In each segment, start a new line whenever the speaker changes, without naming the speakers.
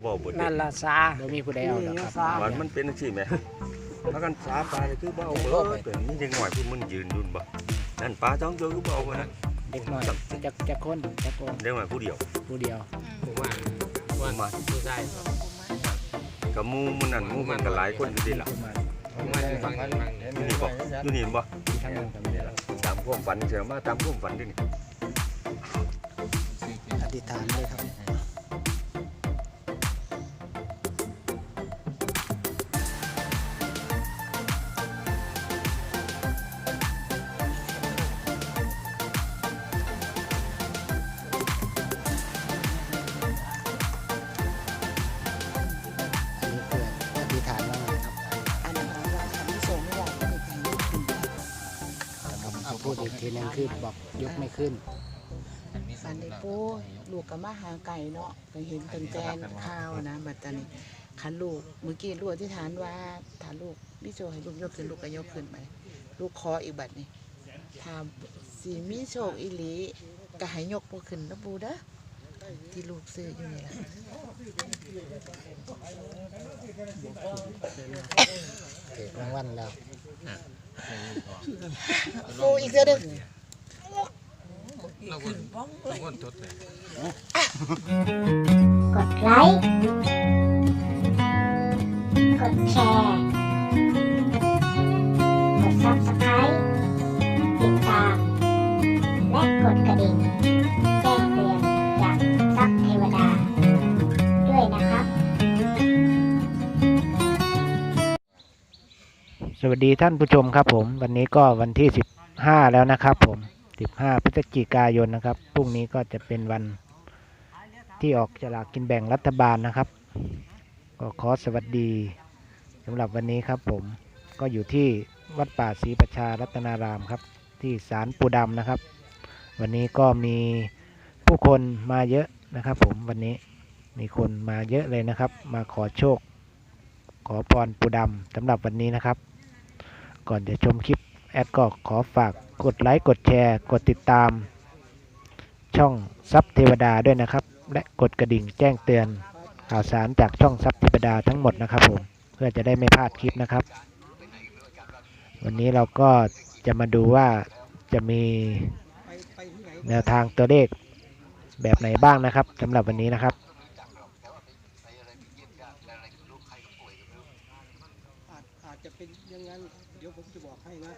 บ่เบิดนั่
นั่
นล่ะ
ซาบ่มีผู้ใดเอาดอกครับ
วันมันเป็นจังซี่แหมถ้ากันสาปลานี่คือบ่เอาเบิดเป็นนี่ยังหน่อยผู้มึงยืนอยู่บ่นั่นปลาท้องโจคือบ่เอานะ
เด็กน้อยจักคนจักโกง
เด็กน้อยผู้เดียว
ผมว่าผู้ชาย
กับหมู่มันนั่นหมู่มันก็หลายคนอยู่ดิล่ะ
ผมว่าฟัง
อยู่นี่บ่
ทางนั้นก็มีแล้ว
ตามความฝันเชื่อมาตามความฝันดินี่
อธิษฐานเลยครับพูดอีกทีนึงคือบอกยกไม่ขึ้น
ฝันได้ปูลูกกับมาหาไก่เนาะก็เห็นเป็นแกนข้าวนะบัดตอนนี้คันลูกเมื่อกี้ลูกที่ฐานว่าถ้าลูกพี่โจให้ลูกยกขึ้นลูกก็ยกขึ้นไปลูกคออีกบัดนี้ถ้าสีมีโชคอีหลีก็ให้ยกบ่ขึ้นนะปูเด้อที่ลูกซื้ออยู่นี่ล่ะ
เกิดรางวัลแล้ว
ปูอีกเทื่อนึง
เราคนทดเลย
กดไลค์ กดแชร์ กด Subscribe ติดตาม และกดกระดิ่งแจ้งเตือนจากทรัพย์เทวดาด้วยนะครับ
สวัสดีท่านผู้ชมครับผมวันนี้ก็วันที่15แล้วนะครับผม15พฤศจิกายนนะครับพรุ่งนี้ก็จะเป็นวันที่ออกฉลากกินแบ่งรัฐบาลนะครับก็ขอสวัสดีสำหรับวันนี้ครับผมก็อยู่ที่วัดป่าศรีประชารัตนารามครับที่ศาลปู่ดำนะครับวันนี้ก็มีผู้คนมาเยอะนะครับผมวันนี้มีคนมาเยอะเลยนะครับมาขอโชคขอพรปู่ดำสำหรับวันนี้นะครับก่อนจะชมคลิปแอดก็ขอฝากกดไลค์กดแชร์กดติดตามช่องทรัพย์เทวดาด้วยนะครับและกดกระดิ่งแจ้งเตือนข่าวสารจากช่องทรัพย์เทวดาทั้งหมดนะครับผมเพื่อจะได้ไม่พลาดคลิปนะครับวันนี้เราก็จะมาดูว่าจะมีแนวทางตัวเลขแบบไหนบ้างนะครับสำหรับวันนี้นะครับ
อาจจะเป็นอย่างนั้นเดี๋ยวผมจะบอกให้นะ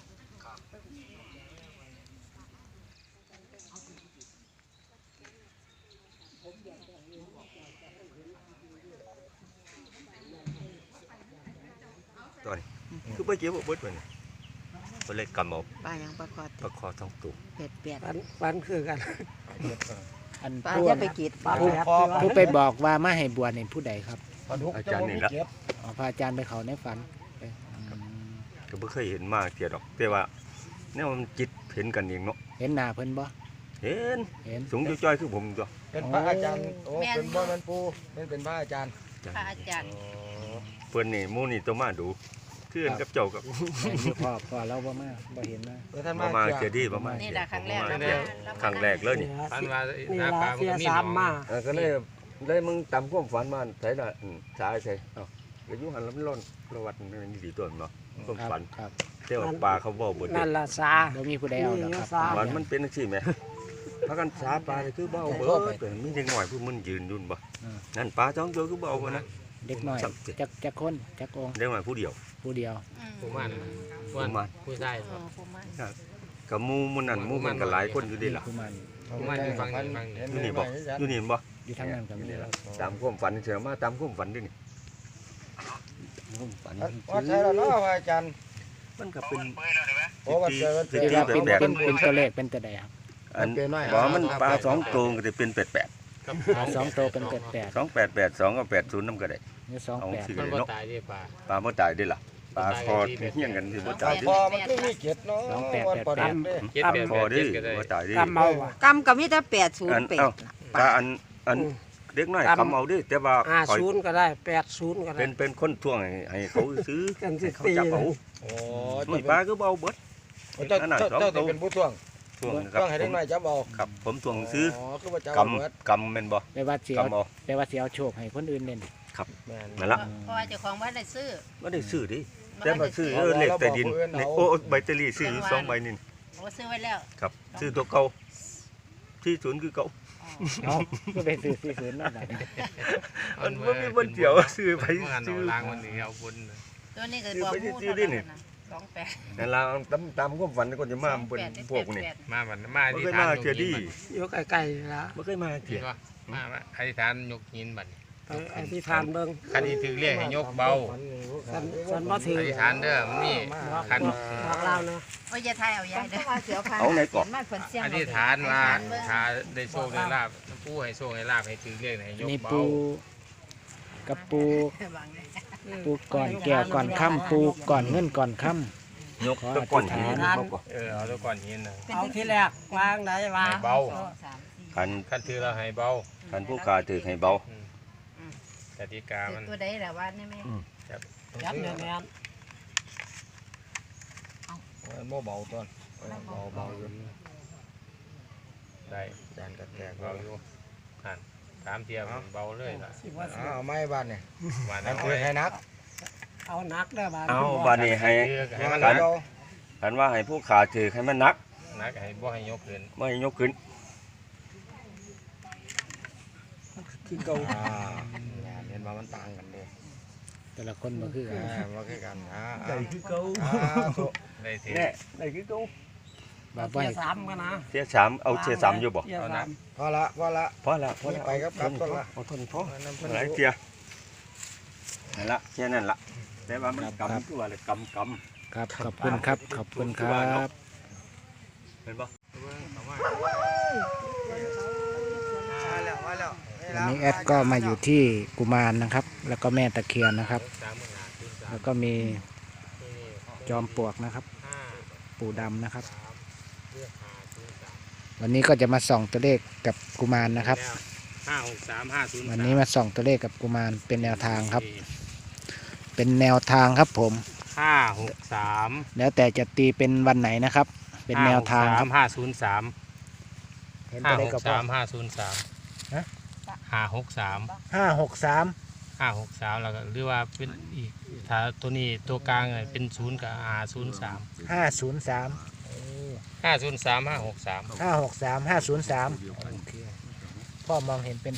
ตอนนี้คือไปเก็บบ่เบิดไปนี่บ่เลยกำเอา
ปลายังปลาคอ
ปลาคอท้องตุ่ม
เปียด
ปันคือกัน
อัน
ปลาจะไปกีด
ผู้ไปบอกว่ามาให้บวชในผู้ใดครับ
อาจารย์นี่ละ
พระอาจารย์ไปเขาในฝัน
ก็บ่เคยเห็นมาเที่ยดอกแต่ว่าแนวมันจิตเห็นกันเองเนาะ
เห็นหน้าเพิ่นบ่
เห็นสูงจ้อยๆคือผมตัว
เป็นพระอาจารย์โอ้เป็นบ่แม่นปู่เป็นพระอาจารย์
พระอาจารย์
เพิ่นนี่หมู่นี่ต้องมาดูคือกันกับเจ้ากับ
พ่อเราบ่มาบ่เห็นนะ
บ่มาเจอดีบ่มา
นี่แหละครั้งแรก
ครั้งแรกเลยนี่
ฝันว่าหน้าปลามันก็มีหนอง
ก็เลยมึงตามความฝันมาไสล่ะสายไสเอ้าก็อยู่หันแล้วมันร้อนประวัติมันดีตัวเนาะความฝันแต่ว่าปลาเขาบ่เบิด
นั่นล่ะซาบ่มีผู้ใดเอาดอกครับ
วันมันเป็นจังซี่แหมถ้ากันสาปลานี่คือบ่เอาเบิดเป็นมีเด็กน้อยผู้มันยืนอยู่บ่นั่นปลาท้องโจคือบ่เอานะ
เด็กน้อยจักคนจักอง
เด็กน้อยผู้เดียว
ผมว่าผู้ชาย
กับหมู่มันนั่นหมู่มันก็หลายคนอยู่ดิล่ะ
ผมว่าฟัง
อยู่นี่บ่
อยู่ทางนั้นก็มีแล้ว
ตามความฝันเชื่อมาตามความฝันดินี่
ว่าใช่แล้วเนาะอาจารย์
มันก็เป็น
โอ้ว่าเจอ
เป็นตัวเลขเป็นตัวใดครับ
อันบ่มันปลา2ตัวก็จะเป็น88
ปลา2ตัวเป็น88
288 2ก็80นำก็ได้
นี่
28มันบ่ตายดิ
ปลาบ่ตายดิล่ะปลาคอเฮี้ยงกันสิบ่ตายดิ
พอมันคือมีเกียรติเนาะ
คอดิบ่ตายดิ
กำก็มีแต่808
ปลาอันเด็กน้อยกำเอาดิแต่ว่า
50ก็ได้80ก็ได้
เป็นคนท่วงให้เขาซื้อ
กันสิ
เขาจับเอา
โอ้
ปลาคือเบาเบิด
เจ้าเป็นผู้ท่วง
ท่วงนะครับ
ต้องให้ได้หน่อยจับเอา
ครับผมท่วงซื้อ
คือว่าจับ
ก
เอาเบิด
ำกำแม่นบ่
แปลว่าเสียว
กำเอา
แปลว่าเสียวโชคให้คนอื่นเล่น
แม่น
นั่นละ
เพราะว่าเจ้าของบ้านได้ซื้อ
บ่ได้ซื้อดิ
บ่
แต่
ได้
มาซื้อเลขใต้ดินเนี่ยโอ้ใบเตอรี่ซื้ออยู่2ใบนี่
โอ้ซื้อไว้แล้ว
ครับซื้อตัวเก่าที่ศูนย์คือเก่า
เอาก็ไปซื้อ40เนาะบัดนี้
มันบ่มีบนเดียวซื้อไป
งาน
ซื้อ
เอาล้างวันนี้เอาบน
ตัวนี้ก็บอก
ซื้อไป
ผู้
ซื้อ
เท่า
ดิ
นั้น
นี่
นะ28
นั่นล่ะตามความฝันก็จะมาเป็นพวกนี่
มาบันมา
บ่
ที่
เคย
ฐาน
มาย
ก
เทื่อ
หิ
ดี
น
อยู่ใกล้ๆละ
บ่เคยมา
เห็
เทื่อน
บ่มาอธิษฐานยกหินบัดนี้
อธิษฐานเบิ่ง
คันนี้ถือเรียกให้ยกเบา
สันบ่ถือ
อธิษฐานเด้อมันมีคัน
บอกเล่าเนาะ
โอ้ยอย่าทายเอายายเด้อ
เอาไหนก่อน
มาเพิ่นเสียง
อธิษฐานว่าถ้าได้โชคได้ลาภผู้ให้โชคให้ลาภให้ถือเรียกให้ยก
นี่
เบา
ปูกับปู
บางเนี่ย
ปูก่อนแก้วก่อนค่ำปูก่อนเงินก่อนค่ำ
ยกตะก้อนหินมาก่อน
เอาตัวก่อนหินน่ะ
เอาที่แรกวางได้วาง
ให้เบา
คัน
คันถือเราให้เบา
คันผู้ค้าถือให้เบา
กติกามัน
ตัวใดล่ะว่านี่แม่
ยัดแน่น
โม่เบาต้นเบาอยู่ได้แดนแตกเบาอยู่หันสามเทียมเบาเลยล่ะ
ๆสิว่าสิ
เอาไม่บ้านเนี่ย
หวาน
นั่นคือให้นัก
เอานักได้อบาด
เอาบาดนี้ให้
ให้มัน
คั
นั
น
ก
คันว่าให้ผู้ค้าถือให้มันหนัก
นักให้บ่ให้ยกขึ้น
ไม่ให้ยกขึ้น
คือเก่า
เห็นว่ามันต่างกันเลย
แต่ละคนบ่คือกัน
มาคือกัน
ได้คือเก่า
ได้ถือ
แน่ได้คือเก่า
บ่
เที
ไว้
ย3กันนะ
เสียสามเอาเสียสามอยู่บ่
เทียสาม
พอละพอละ
พอแล้วพอแล้ว
ไปครับครับ
เอาทนพอหลายเทียนั่นละแค่นั้นละแต่ว่ามันกำตัวเลยกำ
ครับขอบคุณครับขอบคุณครับ
เห็นบ่
วันนี้แอดก็มาอยู่ที่กุมารนะครับ แล้วก็แม่ตะเคียนนะครับ แล้วก็มีจอมปลวกนะครับ ปู่ดำนะครับ วันนี้ก็จะมาส่องตัวเลขกับกุมารนะครับ
563
วันนี้มาส่องตัวเลขกับกุมารเป็นแนวทางครับ เป็นแนวทางครับผม
563
แล้วแต่จะตีเป็นวันไหนนะครับ เป็นแนวทางครับ
503
เห็นตัวเลขกับพ่อ
563
ฮะ
563
563
563แล้วก็หรือว่าเป็นอีกถ้าตัวนี้ตัวกลางเป็น0กับ503
503
503 563
563 503โอเคพ่อมองเห็นเป็น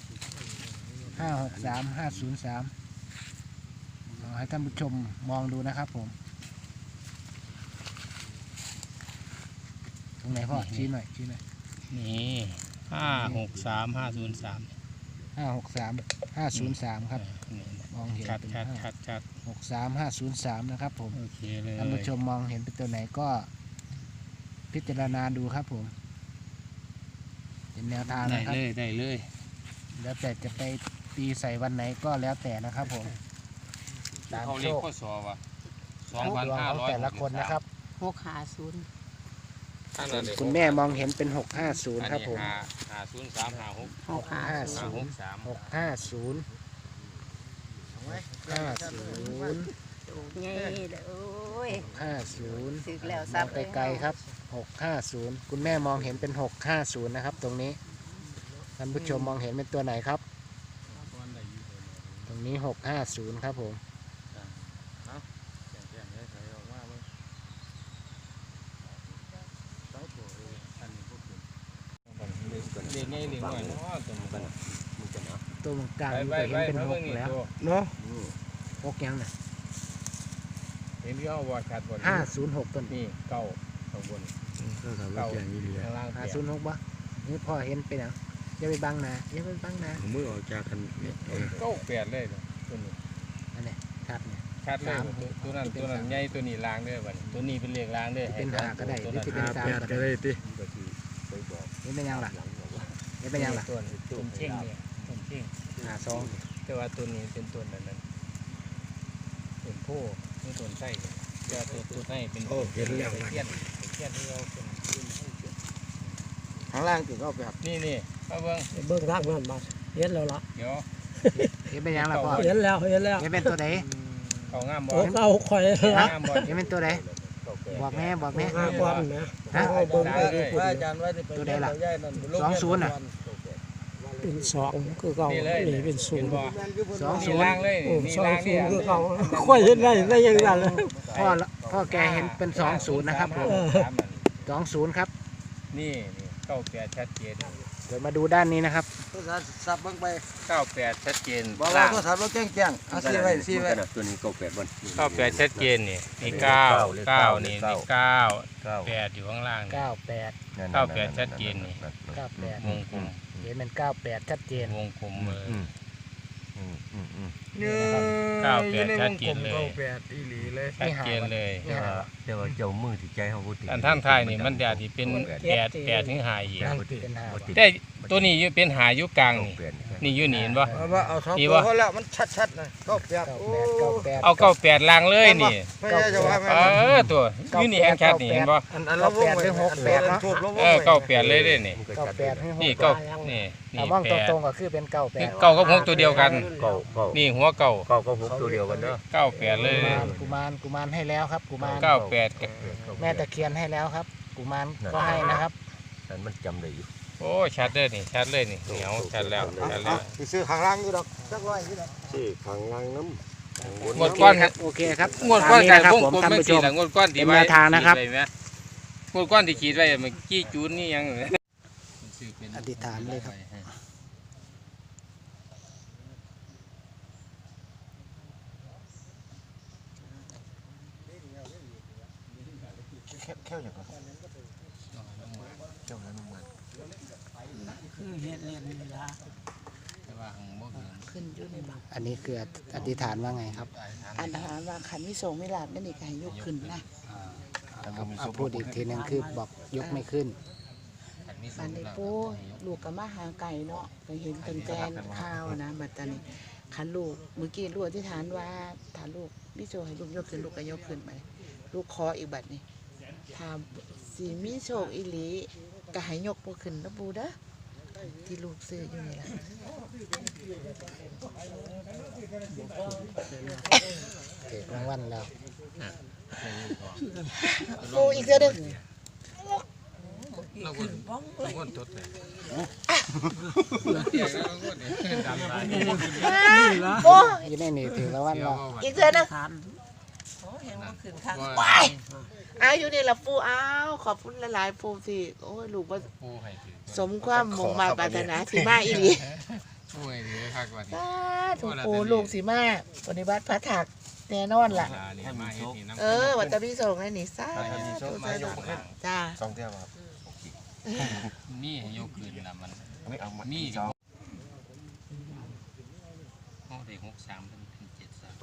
563 503เอาให้ท่านผู้ชมมองดูนะครับผมตรงไหนพ่อชี้หน่อยชี้หน่อย
นี่563 503
563 503ครับมองเห็น
ชัด
เป็น
ชัดชัดชัด
563 503นะครับผม
โอเคเลย
ท่านผู้ชมมองเห็นเป็นตัวไหนก็พิจารณาดูครับผม เป็นแนวทาง
ได้
นะครับ
เลยได้เลย
แล้วแต่จะไปตีใส่วันไหนก็แล้วแต่นะครับผมตาม
เขา
โช
เรียก
ค
ข้อสอบว่ะ
ดวงของแต่ละคนนะครับ
650
คุณแม่มองเห็นเป็น650ครับผม
503 56
650
553
650
ไงโอ้ย
50
ถึกแล้ว
ม
ซั
อบ งไกลๆครับ650คุณแม่มองเห็นเป็น650นะครับ ตรงนี้ท่านผู้ชมมองเห็นเป็นตัวไหนครับ ตรงนี้650ครับผม
เรียนง่ายเรียนง่ายเนาะตัวนี้
ตัวกลาง
ไป
นี่
ไป
ก็เห็นเป็น
มาเบิ่ง
6
นี่
แล้ว
ตัว
เนาะ6ยังน่ะ
เห็นที่เขาว่าชัดบน
506ต้น
นี่เก้าข้างบนเก้าข้างล่างเปลี่ยน
506บ่นี่พ่อเห็นเป็นหยังอย่าไปบังนะอย่าไปบังนะ
มือออกจากกัน
เก้าแปดเลยตัวนี้
อันนี้ชัดเนี่ย
ชัดเลยตัวนั้นใหญ่ตัวนี้ล้างด้วยบัดตัวนี้เป็นเลขล้างด้วย
เป็นหาก็ได้หรือจะเป็น3ก็ได้
ได้ติ
นี่เป็นยังล่ะนี่เป็นยังล่ะ
ตัวเช่งเนี่ยตัวเช่ง
52
แต่ว่าตัวนี้เป็นตัวนั้นเป็นโพนี่ตัวไส้แต่ตัวไส้เป็นเทียนที่เราเป็น
ข้างล่างถึงก็แบบ
นี่มาเบิ้ง
เบิ่งทางเพิ่นมาเห็นแล้วล่ะ
เดี๋ยว
นี่เป็นยังล่ะพ่อ
เห็นแล้วเห็นแล้ว
นี่เป็นตัวไหน
เขางามบ่
โอ้เอาข่อยละ
งามบ่
นี่เป็นตัวไหน
เ
บอกแม่บอกแม่
บอลนะ
ฮะ
เอาเบิ่งไปดิ
พระอาจารย์ไว้ไป
ตัวใดล่ะ
ย่ายนั่น
20น่ะ
เป็นสองคือเก่า
นี่เลย
นี่เป็นศูนย์
บ่
20
นี่ล่างเลย
โอ้
นี่
สอง
ล่าง
ศู
นี่
นย์คือเก่าค่อยเห็นได้ยังไงเลย
พ่อแกเห็นเป็น20นะครับผม20ครับ
นี่เก้าแปดชัดเจน
เดี๋ยวมาดูด้านนี้นะครับ
สับเบิ่งไป
เก้าแปดชัดเจน
บอกว่าโทรศัพท์เราแจ้งเอาซีไว้ซีไว้
ตัวนี้เก้าแปดวัน
เก้าแปดชัดเจนนี่นี่เก้าเก้านี่นี่เก้า
เก้า
แปดอยู่ข้างล่างนี่
98
เก้าแปดชัดเจนนี่
98
วงกลม
เห็นเป็น98ชัดเจน
วงกลมเลย
เก้า
แปดชัดเจนเลย
เก้าแปดอีหลีเลย
ชัดเจนเลย
แต่ว่าเจ้ามือที่ใจเขาพูดถึง
อันท่านไทายนี่มันจะที่เป็นแปดถึงหาอีก
เป็น5
แต่ตัวนี้อยู่เป็นหาอยู่กลางนี่
เปลี่ยน
นี่อยู่นี่เห็นปะ
เอาว่าเอาสอง
ดี
ตัว
วะ
เขาแล้วมันชัดๆนะเก้าแปดโอ้
98
เอาเก้าแปดล่างเลยนี่
ไม่ใช่จะว่า
ตัวอยู่นี่แห่งชัดนี่เห็นปะ
อันเราวงไว้ถูกเราวง
เออเก้าแปดเลยเด้นี่
98ให้
นี่
6
เก้านี่นี่
ถ้ามอง
แป
ต
ด
รงๆก็คือเป็น
นี่
98
เก้ากับหกตัวเดียวกัน
เก้า
นี่หัวเก้า
ก็พกตัวเดียวกันเนาะ
เก้าแปดเลย
กุมารให้แล้วครับกุมาร
เก้าแปด
แม่ตะเคียนให้แล้วครับกุมารก็ให้นะครับ
แต่มันจำได้อยู่
โอ้ชัดเลยนี่ชัดเลยนี่เหนียวชัดแล้วชัดแล้ว
ซื้อข้างล่างอยู่ดอกสักร้อยอยู่ดอก
ที่ข้างล่างน้ำ
งวดก้อน
ครับโอเคครับ
งวดก้อนการ
ตาม
วง
ผม
กลม
ท่าน
ไม่
ผู้ช
สี
ม
หลังงวดก้อนที่
เป็นแนวทางนะครับ
ขีดไว้ไหมงวดก้อนที่ขีดไว้มันกี้จูนนี่ยัง
อธิษฐานเลยครับ
แค่อย่างนั้น
คือเฮ็ดเล่นนี่ละ
ขึ้นอยู่ในบัง
อันนี้คืออธิษฐานว่าไงครับ
อันหารว่าขันวิโสไม่หลับนั่นนี่ก็ให้ยกขึ้นนะ
เอาพูดอีกทีหนึงคือบอกยกไม่ขึ้น
บันไดปูลูกก็มาหาไก่เนาะก็เห็นตั้งแต่ข้าวนะบัดตานี้ขันลูกเมื่อกี้ลูกที่ฐานว่าถ้าลูกวิโสให้ลูกยกขึ้นลูกก็ยกขึ้นไปลูกขออีกบัดนี้ถ้าสีมีโชคอีหลีก็ให้ยกปูขึ้นนะปูเด้อที่ลูกซื้ออยู่นี่ล่ะ
เกิดรางวัลแล้ว
ปูอีกเด้อเด้อ
เราคนจดเลย
ปู
อยู่ในนี่ถือรางวัลแล้ว
อีกเด้อเด้อ
ทาน
อ้าวอยู่นี่ล่ะปูอ้าวขอบคุณหลายๆปูสิโอ้ยลูกว่า
ผู้ให้ถือ
สมความมุ่งมาปรารถนาสิมาอีหลี
ผู้ให้ถือคักว่านี่
สาธุปูลูกสิมาปฏิบัติพระถักแน่นอนล่ะ
นี่มาเฮ็ดนี่น้ำ
วัตถุพิสงฆ์ให้นี่สาธุจ้า
สองเท่าครับ
นี่ให้ยกขึ้นนะมัน
ไม่เอามา
นี่
สอง
ห้องเด็ก63เป็น73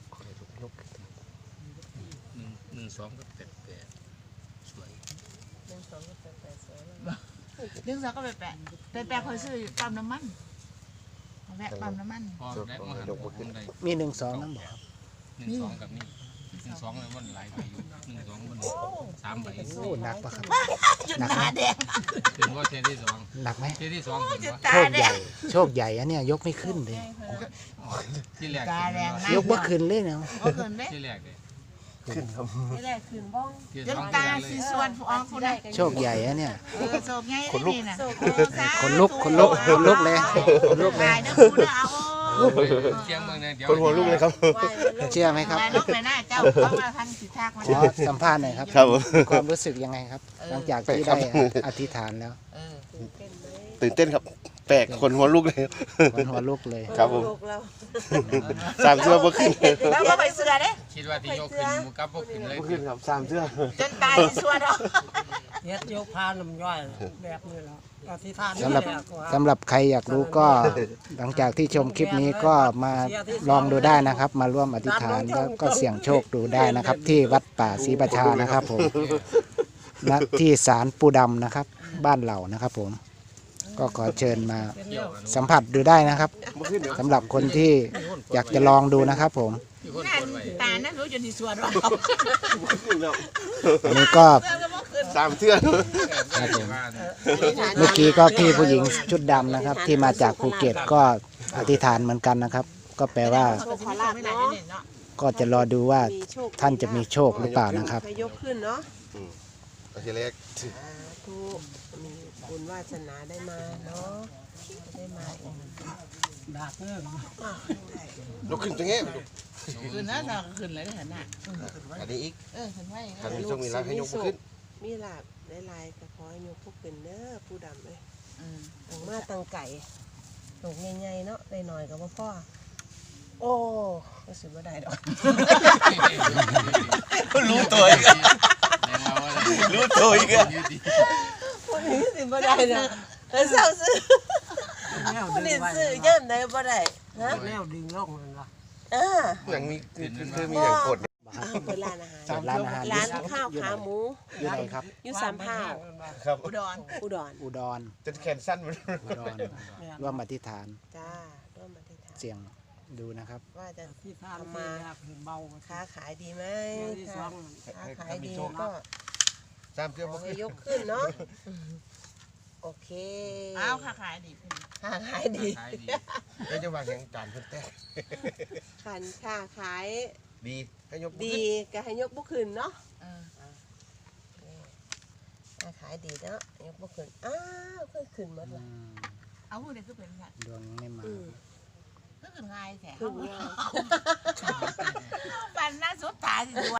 1 2กับ88สวย
เรื่องสองก็ไปแปะคอยซื้ออยู่ปั๊มน้ำมันแวะปั๊มน้ำมัน
พอได้มาหันผมได้
มี1-2นั่นบอกครับ
12กับนี่12เลยมันหลายใบอยู่12มัน3ใบ
โอ้หนักปะครับ
หยุดหนาแดง
ถึงว่าเทที่2
หนักไหม
เทที่2ถึงว่า
ตา
โชค
แด
ใหญ่
ง
โชคใหญ่อันเนี้ยยกไม่ขึ้นเลย
ที่แรก
ตาแดง
ยกบ่ขึ้นเลยเนาะ
ก็คืนเด้
ที่แรกเลย
ไม่ได้คืนบ้อง
ที่
จน
2
ตาสีส่วนผู้อองผู้ใด
โชคใหญ่อันเนี้ย
โศกไงนี่น่ะ
คนลุกเลยคนลุกเลย
ตายเด้อปูเด้อเอา
เชียงเมืองเนี่ยเดี๋ยว
คนหัวลูกเลยครับ
เชื่อไหมครับ
นายลุกไปหน้าเจ้าเขามาทางสิทากมา
ขอสัมภาษณ์หน่อยครับ
ครับผม
มีความรู้สึกยังไงครับ หลังจากที่ได้อธิษฐานแล้ว
ตื่นเต้นครับแปลกคนหัวลูกเลย
คนหัวลุกเลย
ครับผมสามเสื้อบ่ขึ้น
แล้วก็ไปเสือเด้
คิดว่าที่ยกขึ้นหมูกับพวกขึ้นเลย
บ่ขึ้นครับสามเสื้อ
จนตายสิส่วนเนาะ
เฮ็ดยกพาน้ำย่อยแบบนี้แล้วอธิษฐาน
สำหรับ
นี่แหละก็ว่า
สำหรับใครอยากรู้ก็หลังจากที่ชมคลิปนี้ก็มาลองดูได้นะครับ มาร่วมอธิษฐานแล้วก็เสี่ยงโชคดูได้นะครับ ที่วัดป่าศรีประชานะครับผมณที่ศาลปูดำนะครับ บ้านเหล่านะครับผมก็ขอเชิญมาสัมผัสดูได้นะครับสำหรับคนที่อยากจะลองดูนะครับผม
ตานั่นรู้จนสิส่วนว่า
อันนี้ก็
สามเสื้อ
ครับผมเมื่อกี้ก็พี่ผู้หญิงชุดดำนะครับ ที่มาจากภูเก็ตก็อธิษฐานเหมือนกันนะครับ ก็แปลว่า
ขอลาบเนาะ
ก็จะรอดูว่า
มีโชค
ท่านจะมีโชคหรือเปล่านะครับ
ให้ยกขึ้นเนาะ
โอเคเล็ก
ทุกมีบุญวาสนาได้มาเนาะได้มาอีก
ดักเริ่ม
ลุกขึ้นตรงนี้
คืนนะเราคืนอะไรได้ขนาด
อันนี้อีก
คืนไว้
ถ้ามีโชคมีลาภให้ยกมือขึ้น
มีลาบได้ลายก็ขอให้ยกพวกเป็นเด้อผู้ดำเลยตั้งมาตั้งไก่ตกใหญ่ๆเนาะได้หน่อยก็บ่พ่อโอ้ก็สิบ่ได้ดอก
รู้ตัวอีกรู้ตัวอีก
วันนี้สิบ่ได้ดอกแล้วเศร้าซื้อวันนี้ซื้อย่ำได้บ่ได้ฮะ
แล้วดึงล่องมันละ
อย่างมีคือมีอย่างกด
เปิดร้านอาหาร
เปิดร้านอาหาร
ร้านข้าวขาหมู
อยู่ไหนครับ
อยู่สามพร้าว
ครับ
อุดร
อุดร
จนแขนสั้นมัน
อุดรร่วมอธิษฐาน
จ้าร่วมมาที่ทาน
เสียงดูนะครับ
ว่าจะ
ที่ทานมาคือเบา
ค้าขายดีไหม
ที่ส
ถ้า
อง
ค้าขายดีก็
สามเกือบ
ขอให้ยกขึ้นเนาะโอเค
อ้าวค่ะขายดี
ค้าขายดี
แล้วจะวางแข่งจานเพิ่นแต่
ขันค้าขาย
ดีให้ยกมือ
ดี
ขึ้น
ก็ให้ยกบุขึ้นเนาะค้าขายดีเนาะยกบุขึ้นอ้าวขึ้นหมดเลย
เอาพวกนี้คือเป็นแบบ
ดวงไม่มา
ก็คือง่ายแท้
ขึ้นง่าย
ปันน่าสดตายสิ